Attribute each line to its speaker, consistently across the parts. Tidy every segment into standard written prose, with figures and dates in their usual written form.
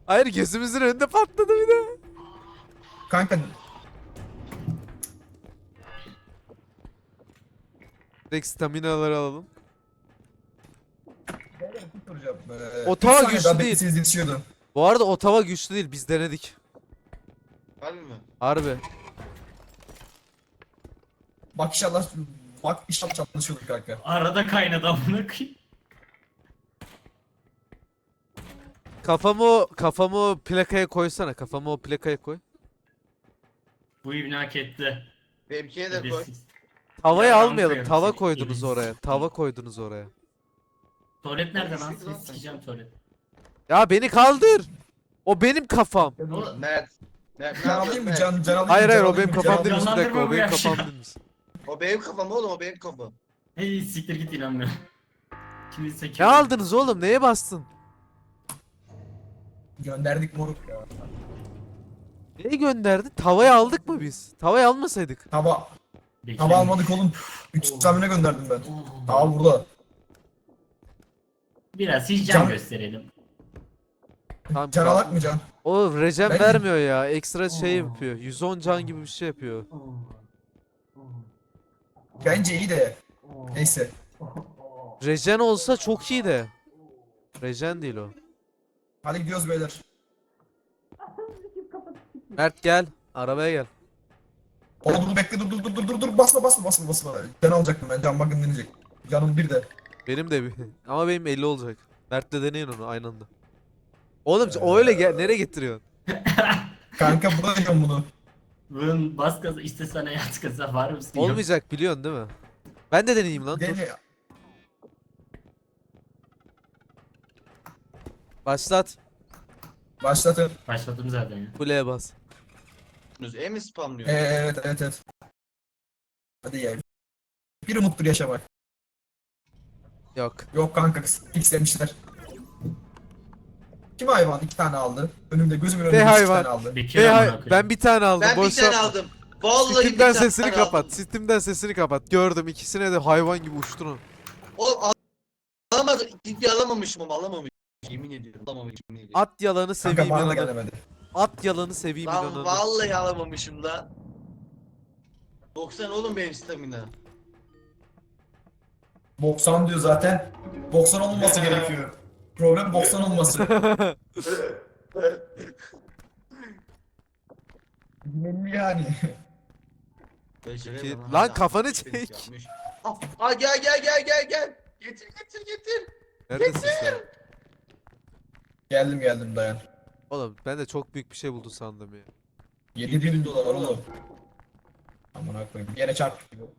Speaker 1: Hayır, gözümüzün önünde patladı bir de.
Speaker 2: Kanka
Speaker 1: Direkt staminaları alalım.
Speaker 2: bir soracağım. 3
Speaker 1: Ottawa
Speaker 2: saniye daha
Speaker 1: güçlü değil.
Speaker 2: bekleseniz yetişiyordu.
Speaker 1: Bu arada Ottawa güçlü değil. Biz denedik.
Speaker 3: Harbi mi?
Speaker 1: Harbi.
Speaker 2: Bak inşallah bak inşallah çalışıyordur kanka.
Speaker 4: Arada kaynadı amına koyayım.
Speaker 1: Kafamı o plakaya koysana. Kafamı o plakaya koy.
Speaker 4: Bu ibni hak etti.
Speaker 3: Benimkine de koy.
Speaker 4: Edesiz.
Speaker 1: Tavayı
Speaker 4: Ya ben
Speaker 1: almayalım.
Speaker 4: koyarım
Speaker 1: Tava
Speaker 4: seni,
Speaker 1: koydunuz
Speaker 4: edesiz.
Speaker 1: oraya. Tava koydunuz oraya.
Speaker 4: Tuvalet nerede lan?
Speaker 3: Edesiz lan
Speaker 4: Seni
Speaker 3: sen.
Speaker 4: sikeceğim tuvalet.
Speaker 1: Ya beni kaldır. O benim kafam.
Speaker 3: Mert. Mert ne
Speaker 2: Can alayım
Speaker 3: yapıyorsun
Speaker 2: mı?
Speaker 3: Mert?
Speaker 2: Can alayım mı?
Speaker 1: Hayır hayır,
Speaker 2: Can
Speaker 1: o benim
Speaker 2: alayım mı?
Speaker 1: kafam
Speaker 2: Can
Speaker 1: değilmiş. Bir
Speaker 2: alayım
Speaker 1: dakika, o
Speaker 4: Canlandırma bu
Speaker 1: benim
Speaker 4: ya
Speaker 1: kafam
Speaker 4: şu an.
Speaker 1: değilmiş.
Speaker 3: O benim kafam oğlum, o benim kafam.
Speaker 4: Hey siktir git inanmıyorum. Şimdi sen
Speaker 1: Ne aldınız oğlum? Neye bastın?
Speaker 2: mı? Gönderdik moruk ya.
Speaker 1: Neyi gönderdi? Tavayı aldık mı biz? Tavayı almasaydık.
Speaker 2: Tava almadık oğlum. 3 stamina gönderdim ben. Tava burada.
Speaker 4: Biraz hiç can
Speaker 2: Can-
Speaker 4: gösterelim.
Speaker 1: Tamam,
Speaker 2: Can alak mı Can?
Speaker 1: o regen
Speaker 2: Ben-
Speaker 1: vermiyor ya. Ekstra şey yapıyor. 110 can gibi bir şey yapıyor.
Speaker 2: Bence iyi de. Neyse.
Speaker 1: Regen olsa çok iyi de. Regen değil o.
Speaker 2: Hadi gidiyoruz beyler.
Speaker 1: Mert gel. Arabaya gel.
Speaker 2: Oğlum dur bekle dur basma. Can alacaktım ben, can bakın deneyecek. Canım bir de.
Speaker 1: Benim de bir. Ama benim 50 olacak. Mert'le deneyin onu aynı anda. Oğlum o öyle gel. Nereye getiriyorsun?
Speaker 2: Kanka bırakıyorum bunu.
Speaker 4: Bunun bas gaza işte sana yat gaza var mısın?
Speaker 1: Olmayacak, biliyorsun değil mi? Ben de deneyeyim lan. Dur.
Speaker 2: Dene.
Speaker 1: Başlat.
Speaker 2: Başlatın.
Speaker 4: Başladım zaten ya.
Speaker 1: Kuleye bas.
Speaker 3: E mi spamlıyor?
Speaker 2: Evet. Hadi ya. Bir umuttur yaşamak.
Speaker 1: Yok.
Speaker 2: Yok kanka istemişler. Kim hayvan 2 tane aldı? Önümde gözümün önünde 2
Speaker 1: hayvan.
Speaker 2: tane aldı.
Speaker 4: Bekir
Speaker 1: Hey,
Speaker 4: amına
Speaker 1: hay,
Speaker 4: koyayım.
Speaker 1: ben bir tane aldım.
Speaker 3: Ben bir
Speaker 1: Boş
Speaker 3: tane
Speaker 1: yapma.
Speaker 3: aldım. Vallahi bir
Speaker 1: Steam'den
Speaker 3: tane
Speaker 1: sesini
Speaker 3: aldım.
Speaker 1: kapat. Steam'den sesini kapat. Gördüm, ikisine de hayvan gibi uçtun o.
Speaker 3: Oğlum alamadım. İkinci alamamışım ama alamamışım. Yemin ediyorum alamamışım. Yemin ediyorum.
Speaker 1: At yalanı
Speaker 2: Kanka
Speaker 1: seveyim
Speaker 2: bana da
Speaker 1: inanın.
Speaker 2: gelemedi.
Speaker 1: At yalanı seveyim
Speaker 3: Lan
Speaker 1: inanın.
Speaker 3: vallahi alamamışım da. 90 oğlum benim stamina.
Speaker 2: 90 diyor zaten. 90 olması gerekiyor. Problem 90 olması. Belli yani.
Speaker 1: Lan kafanı çek.
Speaker 3: Gel. Getir.
Speaker 1: Neredesin sen?
Speaker 2: Geldim dayan.
Speaker 1: Oğlum ben de çok büyük bir şey buldum sandım ya.
Speaker 2: 7.000 dolar oğlum. Amına koyayım. Yere çarp gibi.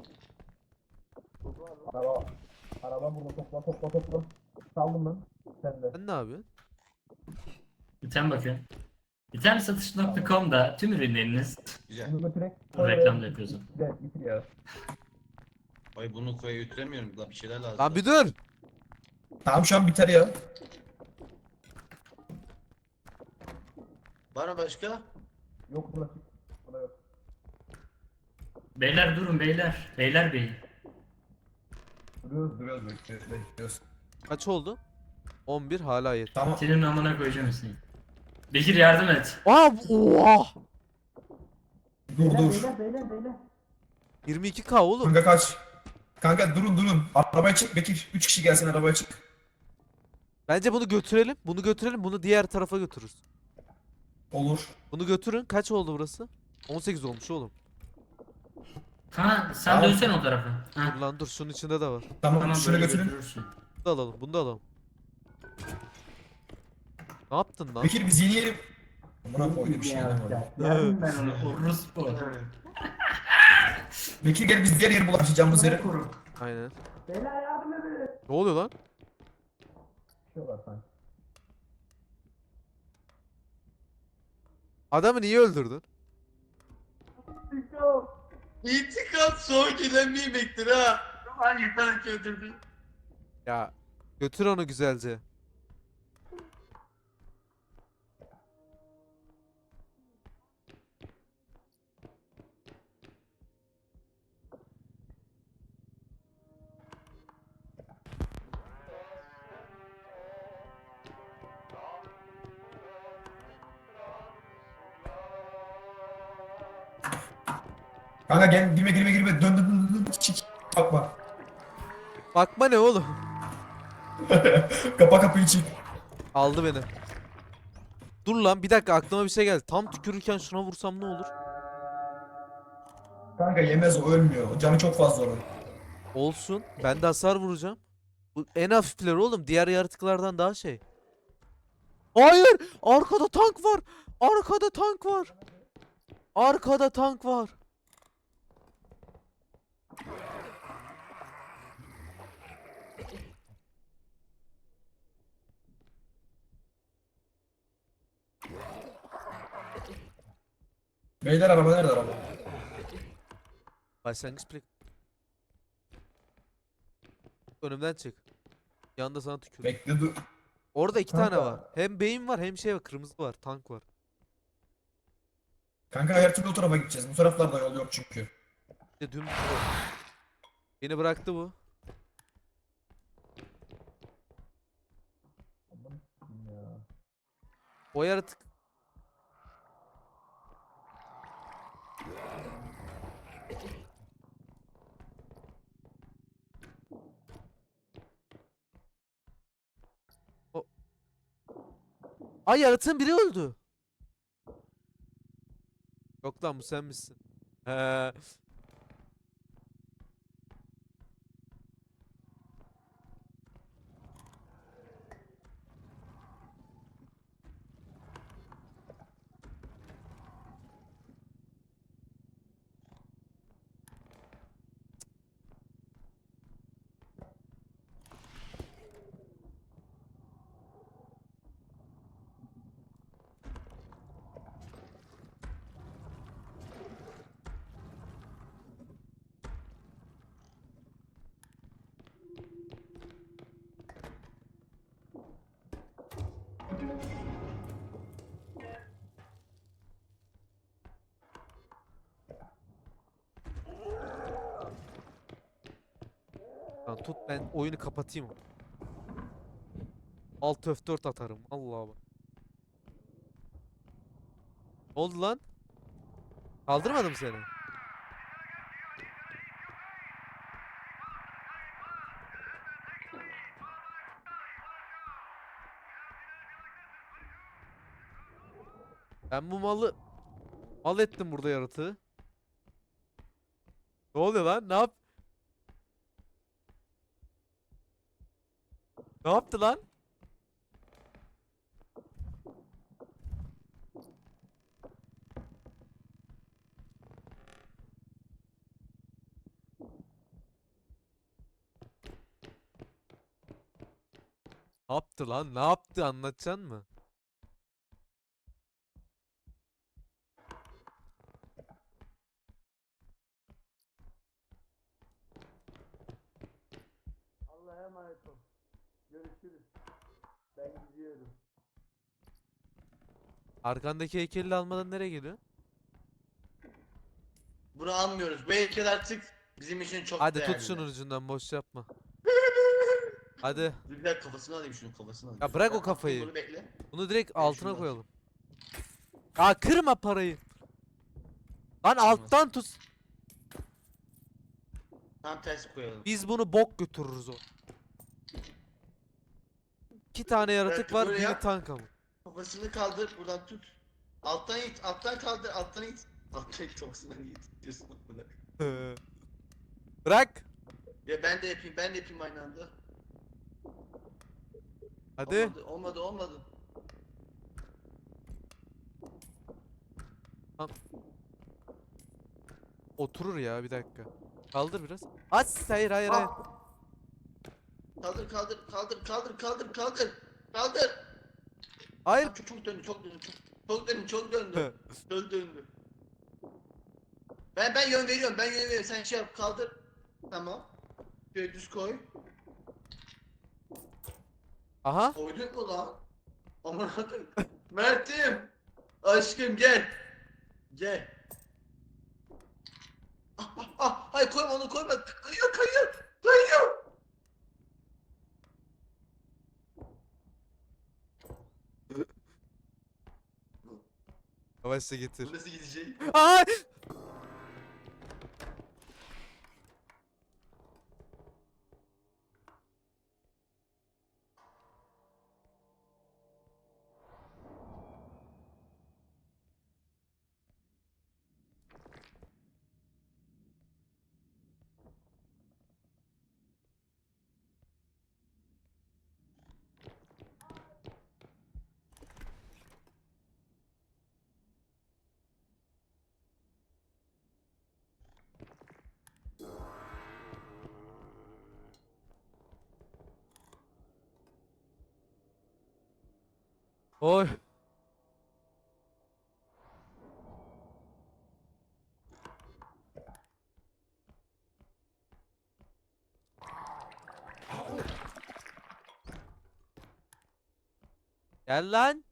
Speaker 2: Araba burada topla. Saldım ben. Sen de.
Speaker 1: Sen ne yapıyorsun?
Speaker 4: İtem bakın. İtemsatış.com'da tüm ürünleriniz
Speaker 3: Güzel.
Speaker 2: Bunu götürek.
Speaker 4: reklam da yapıyorsun.
Speaker 2: Gel bitir ya.
Speaker 3: Ay bunu koya götüremiyorum da bir şeyler lazım.
Speaker 1: Lan bir dur.
Speaker 2: Tamam şu an biter ya.
Speaker 3: Var mı başka?
Speaker 2: Yok burası. Burada yok.
Speaker 4: Beyler durun beyler. Beyler bey.
Speaker 2: Duruyoruz bekliyoruz.
Speaker 1: Kaç oldu? 11 hala yeter.
Speaker 2: Tamam.
Speaker 4: Senin amına koyacağım seni. Bekir yardım et.
Speaker 1: Oha!
Speaker 2: Dur.
Speaker 1: 22k oğlum.
Speaker 2: Kanka kaç. Kanka durun. Arabaya çık Bekir. 3 kişi gelsin arabaya çık.
Speaker 1: Bence bunu götürelim. Bunu diğer tarafa götürürüz.
Speaker 2: Olur.
Speaker 1: Bunu götürün. Kaç oldu burası? 18 olmuş oğlum.
Speaker 4: Ha sen
Speaker 2: Tamam.
Speaker 4: dönsen o tarafa.
Speaker 1: Dur
Speaker 4: Ha.
Speaker 1: lan dur, şunun içinde de var.
Speaker 2: Tamam,
Speaker 4: Tamam
Speaker 2: şunu
Speaker 4: böyle
Speaker 2: götürün.
Speaker 4: götürürsün.
Speaker 1: Bunu da alalım. Bunu da alalım. Ne yaptın lan?
Speaker 2: Bekir biz yeni yerim. Amına koydum bir şey yapamadım.
Speaker 4: Yardım ben onu. Orospu.
Speaker 2: Bekir gel biz diğer yeri bulaşacağımız yere.
Speaker 1: Aynen. Ne oluyor lan? Adamı niye öldürdün?
Speaker 3: İntikam son gelen bir yemektir ha.
Speaker 4: Hangi tane öldürdün?
Speaker 1: Ya götür onu güzelce.
Speaker 2: Kanka gel, girme. Dön. Çık. Bakma.
Speaker 1: Bakma ne oğlum?
Speaker 2: Kapa kapıyı çık.
Speaker 1: Aldı beni. Dur lan bir dakika aklıma bir şey geldi. Tam tükürürken şuna vursam ne olur?
Speaker 2: Kanka yemez, o ölmüyor. Canı çok fazla onun.
Speaker 1: Olsun. Ben de hasar vuracağım. Bu en hafifleri oğlum. Diğer yaratıklardan daha şey. Hayır! Arkada tank var. Arkada tank var. Arkada tank var.
Speaker 2: Beyler araba nerede araba?
Speaker 1: Başlangıç plak. Önümden çık. Yanında sana tükür.
Speaker 2: Bekle dur.
Speaker 1: Orada iki tane
Speaker 2: Kanka.
Speaker 1: var. Hem beyin var hem şey var. Kırmızı var. Tank var.
Speaker 2: Kanka her türlü o tarafa gideceğiz. Bu taraflarda yol yok çünkü.
Speaker 1: İşte dümdüz o. Beni bıraktı bu. O yaratık. O... Ay yaratığın biri öldü. Yok lan bu sen misin? He. Lan tut ben oyunu kapatayım. Alt F4 atarım. Allah'a bak. Ne oldu lan? Kaldırmadım seni. Ben bu malı mal ettim burada yaratığı. Ne oluyor lan? Ne yap? Ne yaptı lan? Ne yaptı lan? Ne yaptı? Anlatacaksın mı?
Speaker 3: Allah'a emanet ol. Görüşürüz. Ben gidiyorum.
Speaker 1: Arkandaki heykeli almadan nereye geliyor?
Speaker 3: Bunu almıyoruz. Bu heykel artık bizim için çok
Speaker 1: Hadi
Speaker 3: değerli.
Speaker 1: tut şunun ucundan boş yapma. Hadi.
Speaker 3: Dur bir dakika kafasını alayım, şunun kafasını alayım.
Speaker 1: Ya bırak
Speaker 3: Ben
Speaker 1: o kafayı.
Speaker 3: Bunu bekle.
Speaker 1: Bunu direkt
Speaker 3: Ben
Speaker 1: altına
Speaker 3: şunu
Speaker 1: koyalım. Ya kırma parayı. Lan alttan tut.
Speaker 3: Tam ters koyalım.
Speaker 1: Biz bunu bok götürürüz o. İki tane yaratık
Speaker 3: Belki
Speaker 1: var,
Speaker 3: böyle
Speaker 1: biri
Speaker 3: yap.
Speaker 1: tank ama.
Speaker 3: Kafasını kaldır, buradan tut. Alttan it, alttan kaldır, alttan it. Alttan it, kafasından it. Diyorsun bana.
Speaker 1: Bırak.
Speaker 3: Ya ben de yapayım aynı anda.
Speaker 1: Hadi.
Speaker 3: Olmadı.
Speaker 1: Oturur ya bir dakika. Kaldır biraz. As hayır.
Speaker 3: Ah! Kaldır.
Speaker 1: Hayır.
Speaker 3: Ah, çok döndü. Çok döndü. Çok döndü. Ben yön veriyorum. Sen şey yap, kaldır. Tamam. Şöyle düz koy.
Speaker 1: Aha.
Speaker 3: Koydun mu lan? Aman Allah'ım. Mert'im. Aşkım gel. Gel. Hayır koyma, onu koyma. Kayıyor.
Speaker 1: Yavaşça getir.
Speaker 3: Bu nasıl gidecek?
Speaker 1: Ay! Oy. Gel lan.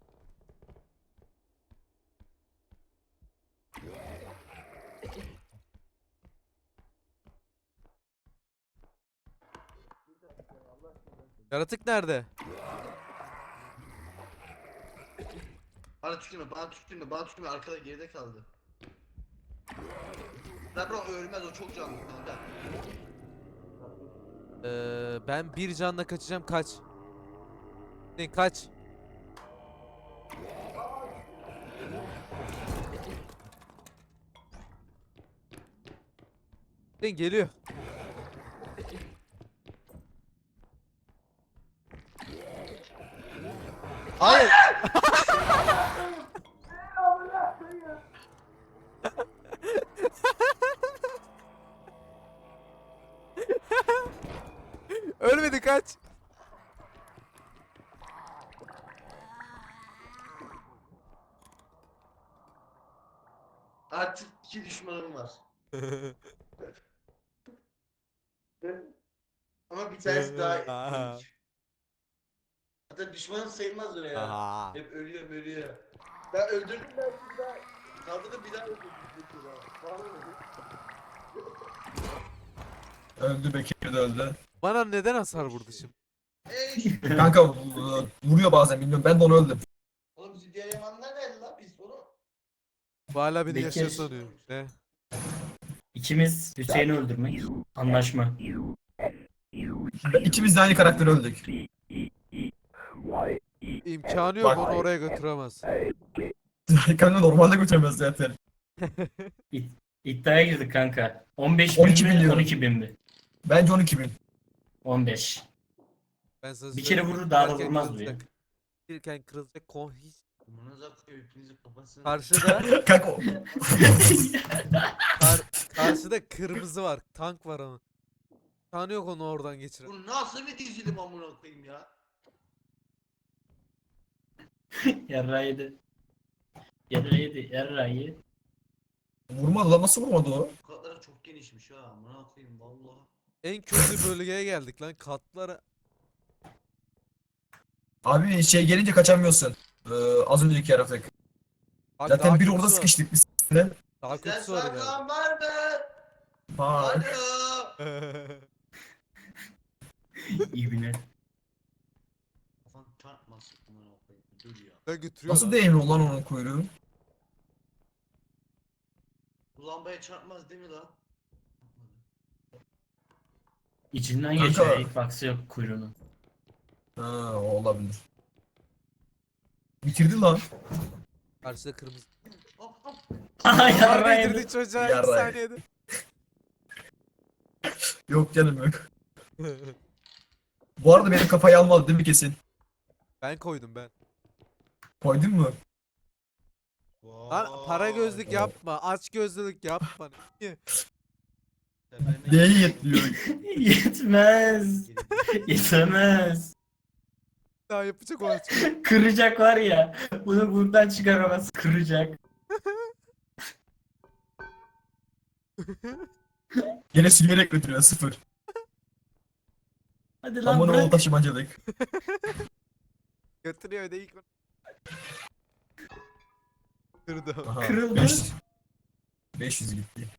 Speaker 1: Yaratık nerede?
Speaker 3: Bana tükürme, bana tükürme, bana tükürme. Arkada geride kaldı. Ben bırak ölmez, o çok canlı kanka.
Speaker 1: Ben bir canla kaçacağım, kaç. Sen kaç. Sen geliyor. Hayır. Ölmedi, kaç.
Speaker 3: Artık 2 düşmanım var. Ama bir tanesi daha
Speaker 1: Aha.
Speaker 3: ilginç. Hatta düşmanım sayılmaz öyle ya.
Speaker 1: Aha.
Speaker 3: Hep ölüyor. Ben öldürdüm ben bir daha. Kaldırdım bir daha öldürdüm. Vallahi öldürdüm.
Speaker 2: Öldü, Bekir de öldü.
Speaker 1: Bana neden hasar vurdu şimdi?
Speaker 3: Ey!
Speaker 2: Kanka vuruyor bazen, bilmiyorum. Ben de onu öldüm.
Speaker 3: Oğlum bizi diğer yamanlar nerede lan biz onu?
Speaker 1: Bu hala beni
Speaker 4: Bekir.
Speaker 1: yaşıyor sanıyor. Ne?
Speaker 4: İkimiz Hüseyin'i öldürmek. Anlaşma.
Speaker 2: İkimiz de aynı karakteri öldük.
Speaker 1: İmkanı yok,
Speaker 2: Bak.
Speaker 1: onu oraya götüremez.
Speaker 2: Kanka normalde götüremez zaten.
Speaker 4: İddiaya girdik kanka. 15 bin
Speaker 2: 12
Speaker 4: mi
Speaker 2: milyon.
Speaker 4: 12 bin mi?
Speaker 2: Bence 12.000.
Speaker 4: 15.
Speaker 1: Ben sana
Speaker 4: Bir kere
Speaker 1: söyleyeyim,
Speaker 4: vurur, daha da
Speaker 1: girerken
Speaker 4: vurmaz bu
Speaker 1: kırılacak. Girerken kırılacak kon hiç.
Speaker 3: Amanıza koyuyor hepinizin kafasını.
Speaker 1: Karşıda
Speaker 2: Kanka
Speaker 1: karşıda kırmızı var. Tank var ama. İmkanı yok onu oradan geçiren.
Speaker 3: Bu nasıl bir dizilim amına koyayım ya?
Speaker 4: Yarra yedi. Yarra yedi. Yarra yedi.
Speaker 2: vurmadı lan, nasıl vurmadı o?
Speaker 3: Bu katları çok genişmiş ha amına koyayım vallahi.
Speaker 1: En kötü bölgeye geldik lan, katlara.
Speaker 2: Abi şey gelince kaçamıyorsun. Az önceki yaratık.
Speaker 1: Abi
Speaker 2: Zaten
Speaker 1: daha
Speaker 2: bir orada
Speaker 1: kötüsü var.
Speaker 2: sıkıştık biz seninle.
Speaker 1: Daha
Speaker 3: Bizden
Speaker 1: kötüsü var herhalde.
Speaker 3: saklan var mı?
Speaker 2: Ha.
Speaker 3: Alo.
Speaker 4: İbne.
Speaker 3: Kafan çarpmasın amına koyayım. Dur ya.
Speaker 1: Ben götürüyor
Speaker 2: Nasıl
Speaker 1: lan.
Speaker 2: değmiyor lan onun kuyruğu?
Speaker 3: Bu lambaya çarpmaz değil mi lan?
Speaker 4: İçinden
Speaker 2: Kanka.
Speaker 4: geçiyor. Hitbox'ı yok kuyruğunun.
Speaker 2: Ha, o olabilir. Bitirdi lan.
Speaker 1: Karşıda kırmızı.
Speaker 3: Hop hop.
Speaker 4: Aha yarra
Speaker 1: Harbi
Speaker 4: yedi.
Speaker 1: indirdi çocuğa 2
Speaker 2: Yarrağı.
Speaker 1: saniyede.
Speaker 2: Yok canım yok. Bu arada benim kafayı almadı değil mi kesin?
Speaker 1: Ben koydum ben.
Speaker 2: Koydun mu?
Speaker 1: Lan para gözlük
Speaker 3: Vay.
Speaker 1: yapma. Aç gözlülük yapma. Niye?
Speaker 3: Temelden-
Speaker 2: Neye yetmiyor?
Speaker 4: Yetmez. Yetemez.
Speaker 1: Daha yapacak o aç.
Speaker 4: Kıracak var ya. Bunu buradan çıkaramaz. Kıracak.
Speaker 2: Yine sürüyerek götürüyor, 0.
Speaker 4: Hadi lan
Speaker 2: Aman o
Speaker 4: bırak.
Speaker 2: taşımacılık.
Speaker 1: Götürüyor öde ilk. Kırdı.
Speaker 2: Aha,
Speaker 4: Kırıldı.
Speaker 2: 500 gitti.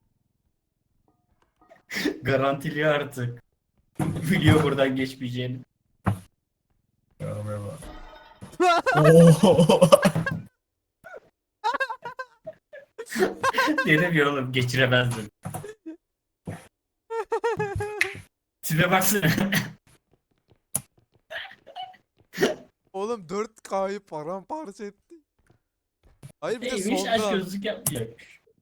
Speaker 4: Garantili artık. Biliyor buradan geçmeyeceğini.
Speaker 2: Arabaya bak. Oo.
Speaker 4: Dedim ya oğlum geçiremezdim. Tipe baksana.
Speaker 1: Oğlum 4K'yı paramparça etti. Hayır bir de
Speaker 4: Neymiş aşk
Speaker 1: sonda.
Speaker 4: gözlük yapmayacak.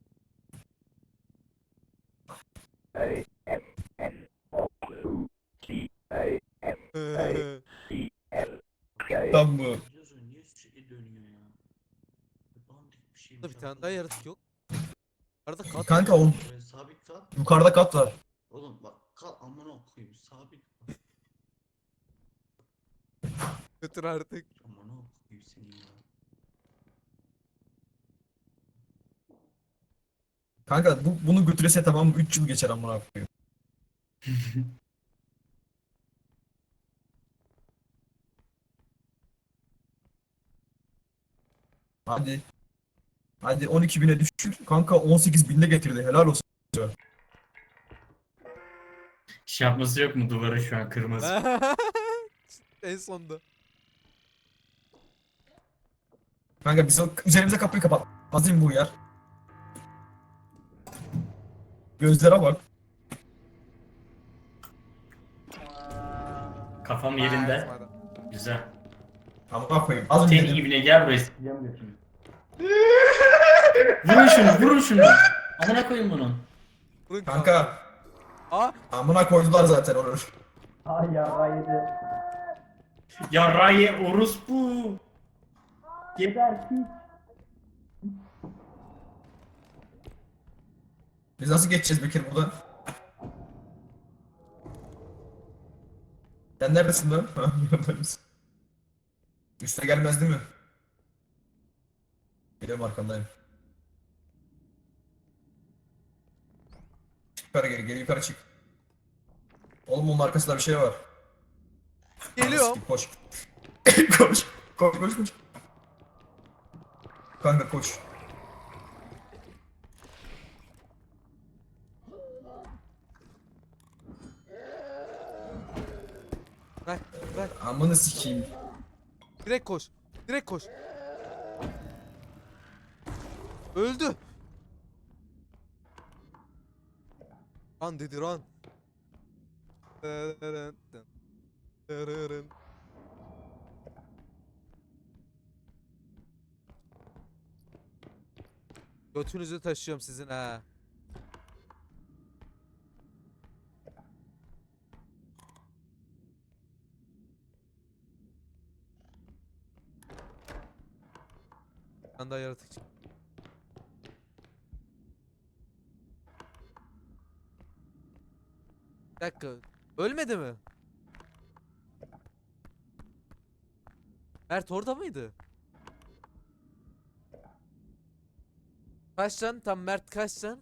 Speaker 2: Tam bu.
Speaker 3: Biliyorsun niye sürekli dönüyor ya? Dandik bir şeymiş
Speaker 1: Burada bir tane daha
Speaker 3: arkadaş.
Speaker 1: yaratık yok. Arada kat.
Speaker 2: Kanka o
Speaker 3: Böyle sabit kal.
Speaker 2: yukarıda kat var.
Speaker 3: Oğlum bak kal amına koyayım sabit kal.
Speaker 1: Götür artık.
Speaker 3: Amına
Speaker 2: Kanka bunu götürese tamam 3 yıl geçer amına koyayım. Hadi. Hadi 12.000'e düşür. Kanka 18.000'e getirdi. Helal olsun.
Speaker 4: Şey yapması yok mu duvara şu an kırmızı?
Speaker 1: En sonda.
Speaker 2: Kanka biz üzerimize kapıyı kapat. Hazır bu yer. Gözlere bak.
Speaker 4: Kafam yerinde. Güzel.
Speaker 2: Amına koyayım. Az önce
Speaker 4: Senin
Speaker 2: dedim.
Speaker 4: ibine gel buraya. Sikeceğim götünü. Vurun şunu, vurun şunu. Amına koyun bunu.
Speaker 1: Vurun
Speaker 2: Kanka.
Speaker 1: Aa,
Speaker 2: Amına koydular zaten onu.
Speaker 4: Ay yarrağı yedi. Yarrağı ye orospu. Geber piç.
Speaker 2: Biz nasıl geçeceğiz Bekir buradan? Sen neredesin lan? Ha, buradayız. Üste gelmez değil mi? Geliyorum arkandayım. Çık yukarı geri yukarı çık. Oğlum onun arkasında bir şey var.
Speaker 1: geliyorum.
Speaker 2: Koş. Koş. Koş. Kanka koş.
Speaker 1: Bırak, bırak.
Speaker 2: Amını sikeyim.
Speaker 1: Direkt koş. Direkt koş. Öldü. Run dedi run. Götünüzü taşıyorum sizin ha. Ben daha yaratık çık- Bir dakika. Ölmedi mi? Mert orada mıydı? Kaç can? Tam Mert kaç can?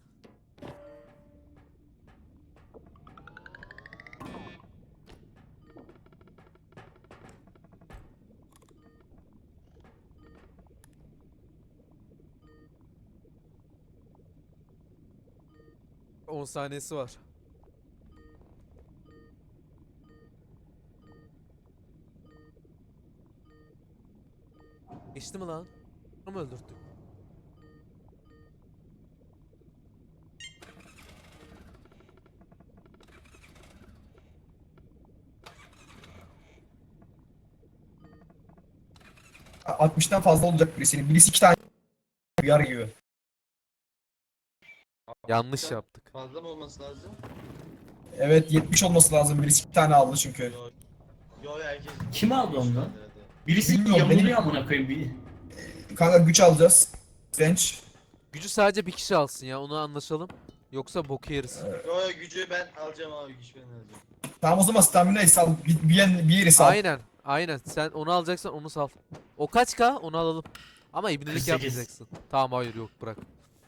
Speaker 1: On saniyesi var. Geçti mi lan? Onu mu öldürttük?
Speaker 2: A- 60'tan fazla olacak birisinin. Birisi 2 tane yar gibi.
Speaker 1: Yanlış yaptık.
Speaker 3: Fazla mı olması lazım?
Speaker 2: Evet 70 olması lazım. Birisi 2 tane aldı çünkü.
Speaker 3: Yo, yo herkes.
Speaker 4: Kim aldı onu? Birisi
Speaker 2: Bilmiyorum,
Speaker 4: yamuluyor
Speaker 2: benim-
Speaker 4: amına koyayım bir.
Speaker 2: Kanka güç alacağız. Bench.
Speaker 1: Gücü sadece bir kişi alsın ya, onu anlaşalım. Yoksa boku yeriz.
Speaker 3: Yo gücü ben alacağım abi güç ben alacağım.
Speaker 2: Tamam o zaman stamina'yı sal. Bir yeri sal.
Speaker 1: Aynen, aynen. Sen onu alacaksan onu sal. O kaç K? Onu alalım. Ama ibnelik
Speaker 4: 48.
Speaker 1: yapmayacaksın. Tamam, hayır, yok, bırak.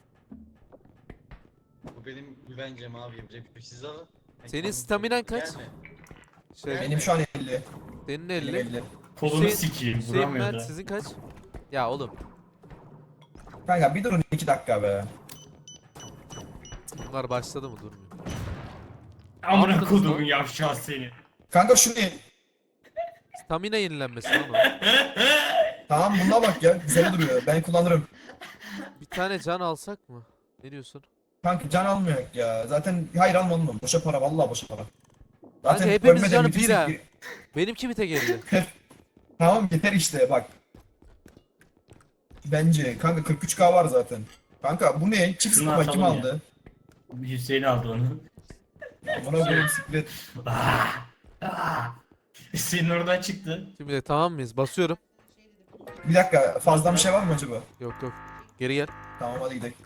Speaker 3: Bu benim güvencem abi yapacak bir şey. Siz alın. Ben
Speaker 1: Senin
Speaker 3: kendim
Speaker 1: staminan
Speaker 3: söyleyeyim.
Speaker 1: kaç?
Speaker 3: Gelme.
Speaker 1: Şey,
Speaker 2: Benim şu an 50.
Speaker 1: senin
Speaker 2: 50.
Speaker 1: 50.
Speaker 4: Kolunu
Speaker 1: Hüseyin-
Speaker 4: sikeyim
Speaker 1: Hüseyin
Speaker 4: vuramıyor
Speaker 1: Mert
Speaker 4: da.
Speaker 1: sizin kaç? Ya oğlum,
Speaker 2: Kanka bir durun 2 dakika be.
Speaker 1: bunlar başladı mı, durmuyor.
Speaker 4: Amına
Speaker 1: Yaptınız
Speaker 4: kodumun
Speaker 1: lan.
Speaker 4: yavşağı seni.
Speaker 2: Kanka şunu
Speaker 1: Stamina yenilenmesi lan o.
Speaker 2: tamam buna bak ya. Güzel duruyor. Ben kullanırım.
Speaker 1: Bir tane can alsak mı? Ne diyorsun?
Speaker 2: Kanka can almıyor ya. Zaten hayır almadım. Boşa para vallahi boşa para.
Speaker 1: Kanka hepimiz
Speaker 2: ölmeden
Speaker 1: canı
Speaker 2: bitirsek
Speaker 1: bir ha.
Speaker 2: bir-
Speaker 1: Benimki bite geldi.
Speaker 2: Tamam yeter işte bak. Bence kanka 43k var zaten. Kanka bu ne? Çift
Speaker 4: Şunu
Speaker 2: sıkma kim
Speaker 4: atalım ya.
Speaker 2: aldı?
Speaker 4: Hüseyin aldı onu.
Speaker 2: Buna koyayım siklet.
Speaker 4: Hüseyin oradan çıktı.
Speaker 1: Şimdi de tamam mıyız? Basıyorum.
Speaker 2: Bir dakika fazla bir şey var mı acaba?
Speaker 1: Yok yok. Geri gel.
Speaker 2: Tamam hadi gidelim.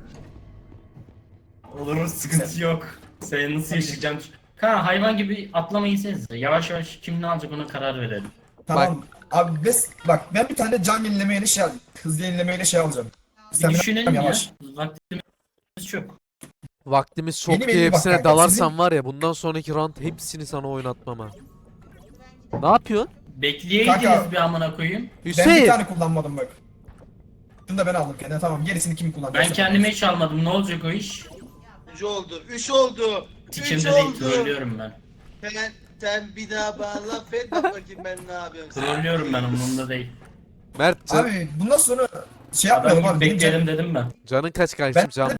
Speaker 4: Olur mu sıkıntı yok. Sen nasıl yaşayacaksın? Kanka hayvan gibi atlamayı yavaş yavaş kim ne alacak ona karar verelim.
Speaker 2: Tamam. Abi bak ben bir tane can yenilemeyle şey alacağım. Hız yenilemeyle şey alacağım.
Speaker 4: Bir
Speaker 2: Stamina
Speaker 4: düşünelim ya.
Speaker 2: yavaş.
Speaker 4: Vaktimiz çok.
Speaker 1: Vaktimiz çok
Speaker 2: Benim
Speaker 1: diye
Speaker 2: elim bak
Speaker 1: hepsine
Speaker 2: kanka,
Speaker 1: dalarsan
Speaker 2: sizin-
Speaker 1: var ya bundan sonraki round hepsini sana oynatmam ha. Ne yapıyorsun?
Speaker 4: Bekleyeydiniz
Speaker 2: Kanka,
Speaker 4: bir amına koyayım.
Speaker 2: Ben bir
Speaker 1: Hüseyin.
Speaker 2: tane kullanmadım bak. Şunu da ben aldım kendime. Tamam gerisini kim kullandı?
Speaker 4: Ben kendime hiç almadım. Ne olacak o iş?
Speaker 3: 3 oldu. 3 oldu. 3
Speaker 4: Sikimde değil.
Speaker 3: oldu.
Speaker 4: Trollüyorum ben.
Speaker 3: Sen bir daha bana laf et bak bakayım ben ne yapıyorum.
Speaker 4: Trollüyorum ben, umurumda değil.
Speaker 1: Mert
Speaker 2: Abi bundan sonra şey
Speaker 4: Adam
Speaker 2: yapmayalım
Speaker 4: gibi
Speaker 2: abi. Benim
Speaker 4: bekleyelim dedim ben.
Speaker 1: canın kaç kardeşim?
Speaker 2: Ben-
Speaker 1: Can